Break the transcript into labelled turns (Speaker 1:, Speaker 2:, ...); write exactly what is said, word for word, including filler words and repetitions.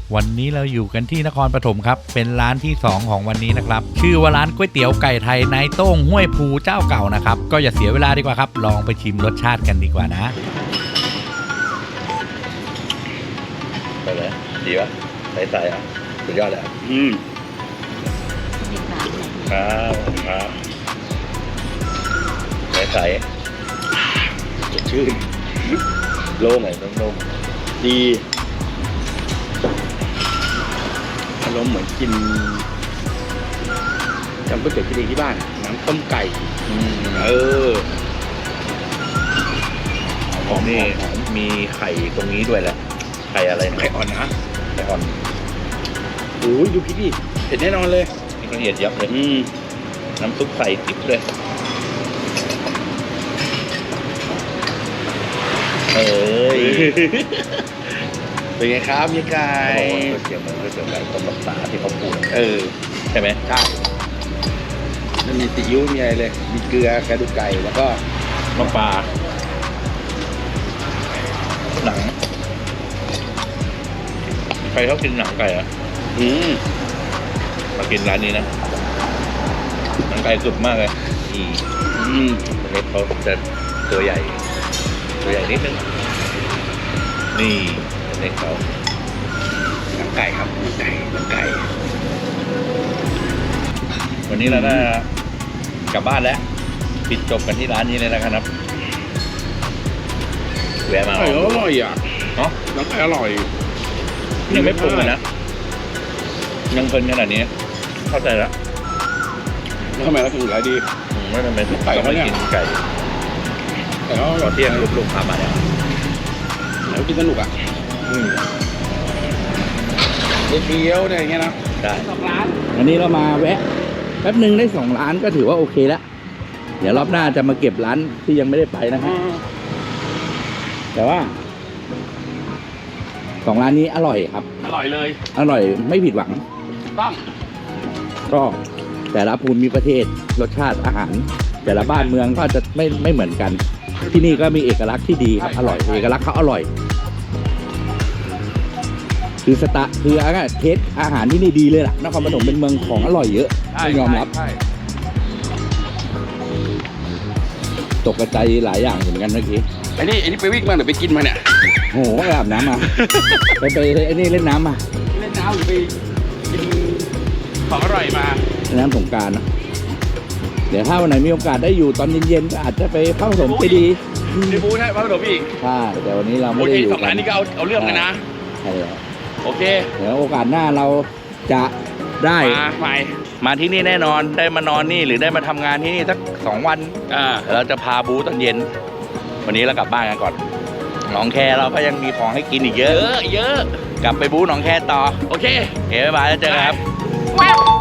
Speaker 1: วันนี้เราอยู่กันที่นครปฐมครับเป็นร้านที่สองของวันนี้นะครับชื่อว่าร้านก๋วยเตี๋ยวไก่ไทยนายโต้งห้วยภูเจ้าเก่านะครับก็อย่าเสียเวลาดีกว่าครับลองไปชิมรสชาติกันดีกว่านะไปเลยดีปะใส่ๆอ่ะสุดยอดเลยอืมครับครับใส่ๆสดชื่นโล่งไหนโล่งดีอารมณ์เหมือนกินจำก๋วยเตี๋ยวกินเองที่บ้านน้ำต้มไก่เออของนี่มีไข่ตรงนี้ด้วยแหละไข่อะไรไข่อ่อนนะไข่อ่อนโอ้ยดูพริกดิเผ็ดแน่นอนเลยนี่ละเอียดยับเลยอืมน้ำซุปใส่ติ๊บเลยเอ้ยเป็นไงครับมีไก่ก๋วยเตี๋ยวมันก๋วยเตี๋ยวไก่ต้มรักษาที่เขาพูดเออใช่ไหมใช่มันมีซีอิ๊วมีอะไรเลยมีเกลือกระดูกไก่แล้วก็น้ำปลาหนังใครชอบกินหนังไก่อ่ะอืมมากินร้านนี้นะหนังไก่สุดมากเลยอืมอืมเล็กเขาจะตัวใหญ่ตัวใหญ่นิดนึงนี่เล็กเขาหนังไก่ครับหนังไก่หนังไก่วันนี้เราได้กลับบ้านแล้วปิดจบกันที่ร้านนี้เลยนะครับแวะมาอร่อยอ่ะเนาะหนังไก่อร่อยยังไม่ปรุงเลยนะยังเพลินขนาดนี้เข้าใจแล้วทำไมเราถึงขายดีไม่ทำไมถึงไก่ไม่กินไก่แต่ก็ตอนเที่ยงลูกๆพามาเนี่ยแล้วกินสนุกอ่ะอืมเดียวเนี่ยอย่างเงี้ยนะได้สองร้านวันนี้เรามาแวะแป๊บหนึ่งได้สองร้านก็ถือว่าโอเคแล้วเดี๋ยวรอบหน้าจะมาเก็บร้านที่ยังไม่ได้ไปนะครับแต่ว่าสองร้านนี้อร่อยครับอร่อยเลยอร่อยไม่ผิดหวังต้องก็แต่ละภูมิประเทศรสชาติอาหารแต่ละบ้านเมืองก็จะไม่ไม่เหมือนกันที่นี่ก็มีเอกลักษณ์ที่ดีครับอร่อยเอกลักษณ์เขาอร่อยคือสตาคืออาเทสอาหารที่นี่ดีเลยล่ะนครปฐมเป็นเมืองของอร่อยเยอะต้องยอมรับตกกระจายหลายอย่างเหมือนกันเมื่อกี้ไอ้นี่ไอ้นี่ไปวิ่งมาหรือไปกินมาเนี่ยโอ้โหไปอาบน้ำมาไปไปไอ้นี่เล่นน้ำมาเล่นน้ำหรือไปกินของอร่อยมาน้ำสงกรานต์นะเดี๋ยวถ้าวันไหนมีโอกาสได้อยู่ตอนเย็นๆก็อาจจะไปพระปฐมเจดีย์ที่บูใช่พระปฐมอีกใช่แต่วันนี้เราไม่ได้อยู่สองร้านนี้ก็เอาเอาเรื่องกันนะใช่แล้วโอเคเดี๋ยวโอกาสหน้าเราจะได้มาใหม่มาที่นี่แน่นอนได้มานอนนี่หรือได้มาทำงานที่นี่สักสองวันอ่าเราจะพาบูตอนเย็นวันนี้เรากลับบ้านกันก่อนหนองแคเราก็ยังมีของให้กินอีกเยอะเยอะกลับไปบูหนองแคต่อโอเคโอเคบ๊ายบายแล้วเจอกันครับ